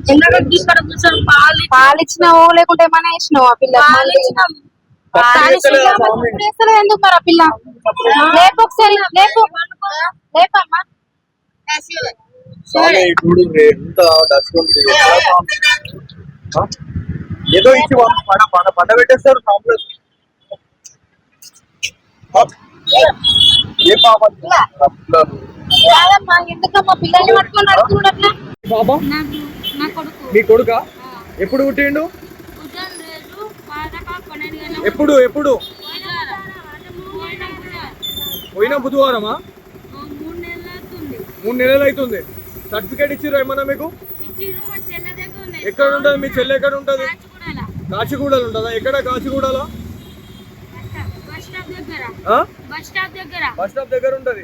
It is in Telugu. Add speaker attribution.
Speaker 1: పాలిచ్చినావో లేకుంటే ఏమైనా వేసినావు ఆ పిల్ల ఎందుకు మరి ఆ పిల్ల లేపు ఒకసారి లేపు లేపమ్మా
Speaker 2: ఏదో ఇచ్చి పండబెట్టేస్తారు ఏ పాప
Speaker 1: ఎందుకమ్మా పిల్లల్ని పట్టుకొని నడుచుకున్నట్లా
Speaker 2: బాబా మీ కొడుక ఎప్పుడు పుట్టిండు ఎప్పుడు ఎప్పుడు పోయిన బుధవారమా 3 నెలలు అవుతుంది సర్టిఫికేట్ ఇచ్చిర్రు ఏమన్నా మీకు ఎక్కడ ఉంటుంది మీ చెల్లె ఎక్కడ ఉంటుంది కాచిగూడలో ఉంటుందా ఎక్కడ కాచిగూడలో బస్ స్టాప్ దగ్గర ఉంటది